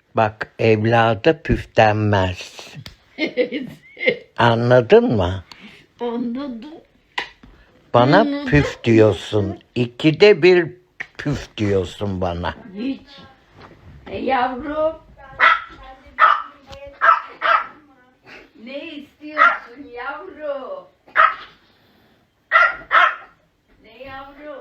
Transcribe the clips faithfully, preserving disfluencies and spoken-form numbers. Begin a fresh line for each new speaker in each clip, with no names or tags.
Bak evlada püflenmez. Anladın mı?
Anladım.
Bana
Anladım.
püf diyorsun. İkide bir püf diyorsun bana.
Hiç. E yavrum. Ne istiyorsun yavrum? Ne yavrum?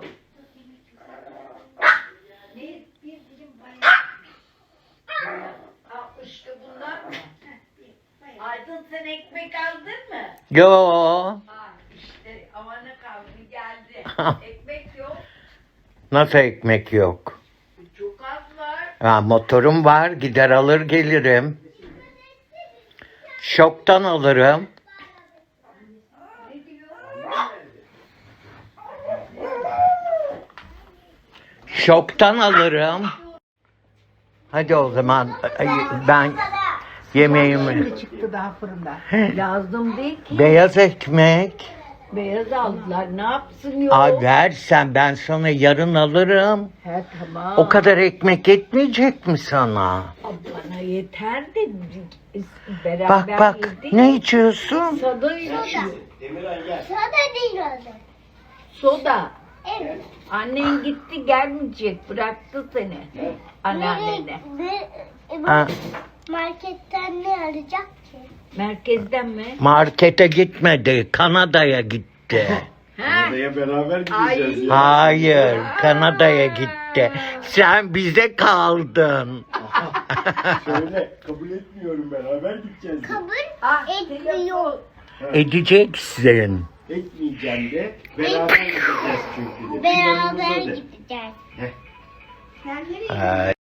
Ne bir dilim bayağı. Al işte bunlar mı? Aydın sen ekmek aldın mı?
Yo.
Ha işte amanı kaldı geldi. Ekmek yok.
Nasıl ekmek yok?
Çok az var.
Ha, motorum var. Gider alır gelirim. Şoktan alırım.
Ne diyor?
Şoktan alırım. Hadi o zaman ay, ben yemeğimi...
Şimdi çıktı daha fırında. Lazım değil ki.
Beyaz ekmek.
Beyaz aldılar. Ne yapsın yok?
Ay versen ben sana yarın alırım.
He tamam.
O kadar ekmek yetmeyecek mi sana?
Bana yeter de beraber
Bak bak
yedik.
ne içiyorsun?
Soda içiyor.
Soda değil o da.
Soda.
Evet.
Annen gitti gelmeyecek. Bıraktı seni. Anneannene.
Ne, ne,
Ha,
marketten ne alacak ki?
Merkezden mi?
markete gitmedi, Kanada'ya gitti.
Ha?
Oraya beraber gideceğiz
Ay.
ya.
Hayır, Kanada'ya gitti. Sen bize kaldın.
Söyle kabul etmiyorum, beraber gideceğiz. de.
Kabul
Ah,
etmiyor.
Edeceksin.
Etmeyeceğim de beraber gideceğiz çünkü de.
Beraber
Planımızda de.
gideceğiz.
Ay.